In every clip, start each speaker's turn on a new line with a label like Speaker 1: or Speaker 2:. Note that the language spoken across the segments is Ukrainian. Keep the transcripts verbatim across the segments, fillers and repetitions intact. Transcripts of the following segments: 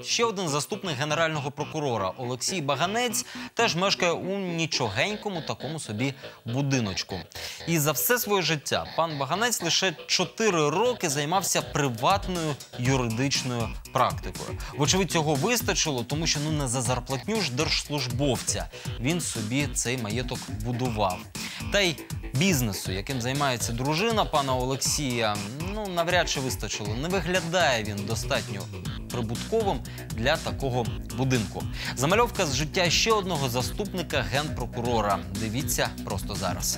Speaker 1: Ще один заступник генерального прокурора Олексій Баганець теж мешкає у нічогенькому такому собі будиночку. І за все своє життя пан Баганець лише чотири роки займався приватною юридичною практикою. Вочевидь, цього вистачило, тому що ну не за зарплатню ж держслужбовця він собі цей маєток будував. Та й бізнесу, яким займається дружина пана Олексія, ну навряд чи вистачило. Не виглядає він достатньо прибутковим для такого будинку. Замальовка з життя ще одного заступника генпрокурора. Дивіться просто зараз.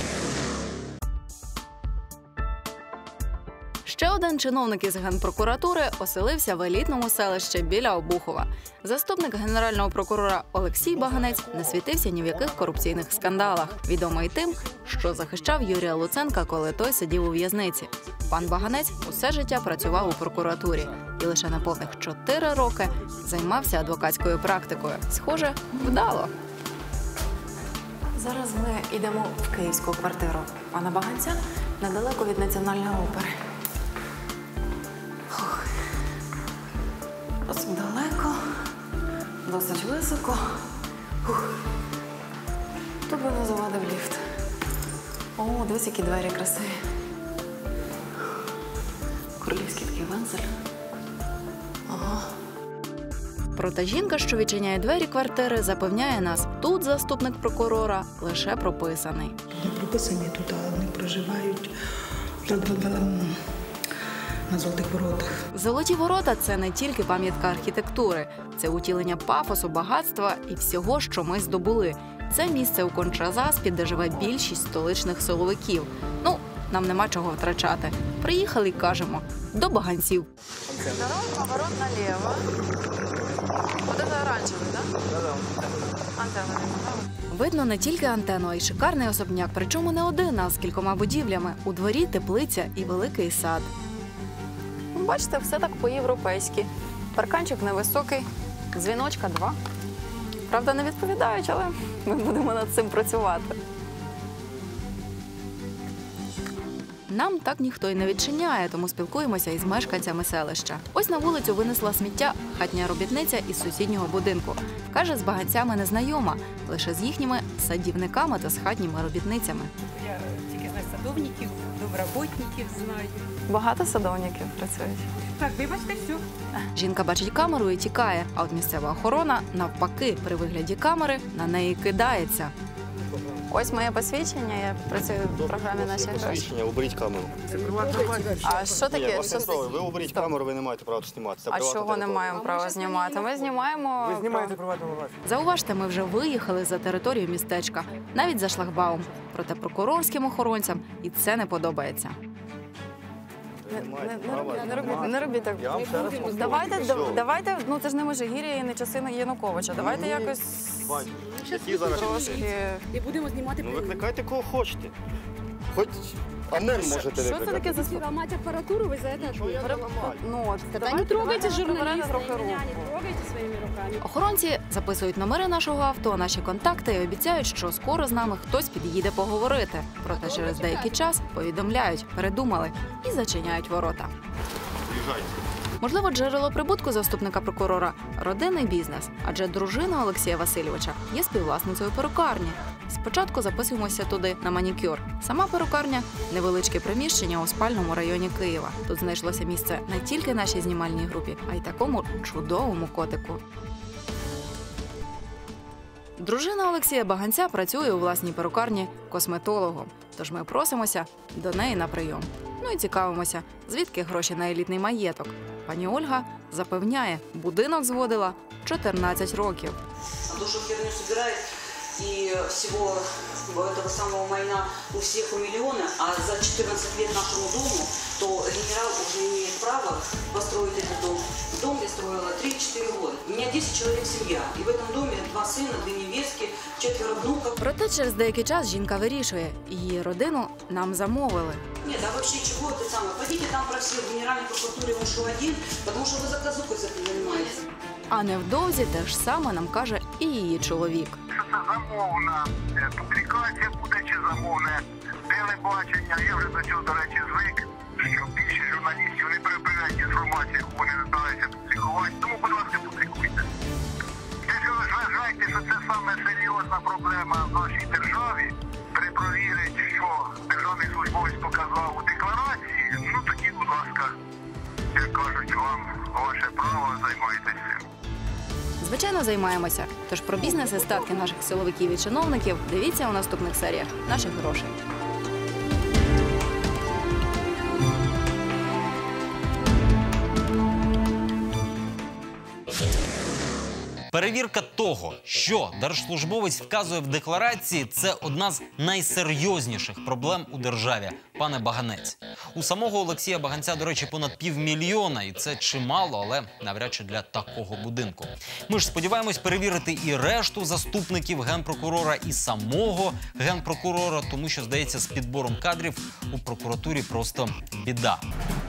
Speaker 2: Ще один чиновник із Генпрокуратури оселився в елітному селищі біля Обухова. Заступник генерального прокурора Олексій Баганець не світився ні в яких корупційних скандалах. Відомий тим, що захищав Юрія Луценка, коли той сидів у в'язниці. Пан Баганець усе життя працював у прокуратурі і лише на повних чотири роки займався адвокатською практикою. Схоже, вдало.
Speaker 3: Зараз ми йдемо в київську квартиру пана Баганця, недалеко від Національної опери. Ох. Досить далеко, досить високо. Ух. Тут би не завадив ліфт. О, дивись, які двері красиві. Королівський такий вензель. Ага.
Speaker 2: Проте жінка, що відчиняє двері квартири, запевняє нас, тут заступник прокурора лише прописаний.
Speaker 4: Не прописані тут, а вони проживають на Золотих воротах.
Speaker 2: Золоті ворота – це не тільки пам'ятка архітектури. Це утілення пафосу, багатства і всього, що ми здобули. Це місце у Конча-Заспі, де живе більшість столичних силовиків. Ну, нам нема чого втрачати. Приїхали і кажемо – до Баганців.
Speaker 3: Дорога, поворот налево. Вот это оранжевый, да? Да-да. Антенна.
Speaker 2: Видно не тільки антенну, а й шикарний особняк. Причому не один, а з кількома будівлями. У дворі теплиця і великий сад.
Speaker 3: Бачите, все так по-європейськи. Парканчик невисокий, дзвіночка два. Правда, не відповідають, але ми будемо над цим працювати.
Speaker 2: Нам так ніхто й не відчиняє, тому спілкуємося із мешканцями селища. Ось на вулицю винесла сміття хатня робітниця із сусіднього будинку. Каже, з баганцями не знайома, лише з їхніми садівниками та з хатніми робітницями.
Speaker 5: Я тільки знаю садовників, доброботників знаю.
Speaker 3: Багато садовників працюють.
Speaker 5: Так, вибачте, все.
Speaker 2: Жінка бачить камеру і тікає, а от місцева охорона, навпаки, при вигляді камери на неї кидається.
Speaker 3: Ось моє посвідчення, я працюю в програмі «Наші гроші».
Speaker 6: Посвідчення, уберіть камеру.
Speaker 3: А що таке?
Speaker 6: Ні, що ви уберіть камеру, ви не маєте права знімати.
Speaker 3: А чого не маємо права знімати? Ми знімаємо...
Speaker 7: Ви знімаєте приватну власність.
Speaker 2: Зауважте, ми вже виїхали за територію містечка, навіть за шлагбаум. Проте прокурорським охоронцям і це не подобається.
Speaker 3: Не, не, не, не, робіть, не робіть так.
Speaker 6: Я вам ще раз повторю.
Speaker 3: Давайте,
Speaker 6: Що?
Speaker 3: давайте, ну це ж не Межигір'я і не часи Януковича. Давайте якось
Speaker 6: Бать, які зараз
Speaker 3: трошки...
Speaker 5: І будемо знімати.
Speaker 6: Ну викликайте кого хочете. Хоч ОМОН можете
Speaker 3: Що це
Speaker 6: викликати.
Speaker 3: таке за...
Speaker 5: Ламати апаратуру, ви за це
Speaker 6: Що я не ламаю?
Speaker 3: Ну, от,
Speaker 5: Та
Speaker 3: давайте,
Speaker 5: не трогайте
Speaker 3: давайте
Speaker 5: журналіста,
Speaker 3: трохи руку.
Speaker 5: не трогайте своїми руками.
Speaker 2: Охоронці записують номери нашого авто, наші контакти і обіцяють, що скоро з нами хтось під'їде поговорити. Проте через деякий час повідомляють, передумали і зачиняють ворота.
Speaker 6: Приїжджайте.
Speaker 2: Можливо, джерело прибутку заступника прокурора – родинний бізнес, адже дружина Олексія Васильовича є співвласницею перукарні. Спочатку записуємося туди на манікюр. Сама перукарня – невеличке приміщення у спальному районі Києва. Тут знайшлося місце не тільки нашій знімальній групі, а й такому чудовому котику. Дружина Олексія Баганця працює у власній перукарні косметологом. Тож ми просимося до неї на прийом. Ну і цікавимося, звідки гроші на елітний маєток. Пані Ольга запевняє, будинок зводила чотирнадцять років.
Speaker 8: Душу херню собирает, и всего этого самого майна у всех у миллиона, а за четырнадцать лет нашему дому, то генерал уже имеет право построить этот дом. Дом я строила три-четыре года. У меня десять человек семья, и в этом доме два сына, две невестки, четверо внуков.
Speaker 2: Проте через деякий час жінка вирішує, її родину нам замовили.
Speaker 8: Нет, а вообще чего это самое? Пойдите там про все в Генеральной прокуратуре ушел один, потому что вы заказухой с этим занимаетесь.
Speaker 2: А невдовзі те ж саме нам каже і її чоловік.
Speaker 9: Що це замовна публікація буде чи замовне телебачення, я вже до цього, до речі, звик,
Speaker 7: що більше журналістів не перебирають інформацію, яку вони намагаються публікувати. Тому, будь ласка, публікуйте. Якщо ви вважаєте, що це саме серйозна проблема в нашій державі, перепровірить, що державний службовець показав у декларації, ну тоді, будь ласка, як кажуть вам, ваше право, займайтеся цим.
Speaker 2: Звичайно, займаємося. Тож про бізнес і статки наших силовиків і чиновників дивіться у наступних серіях наших грошей.
Speaker 1: Перевірка того, що держслужбовець вказує в декларації, це одна з найсерйозніших проблем у державі, пане Баганець. У самого Олексія Баганця, до речі, понад півмільйона, і це чимало, але навряд чи для такого будинку. Ми ж сподіваємось перевірити і решту заступників генпрокурора, і самого генпрокурора, тому що, здається, з підбором кадрів у прокуратурі просто біда.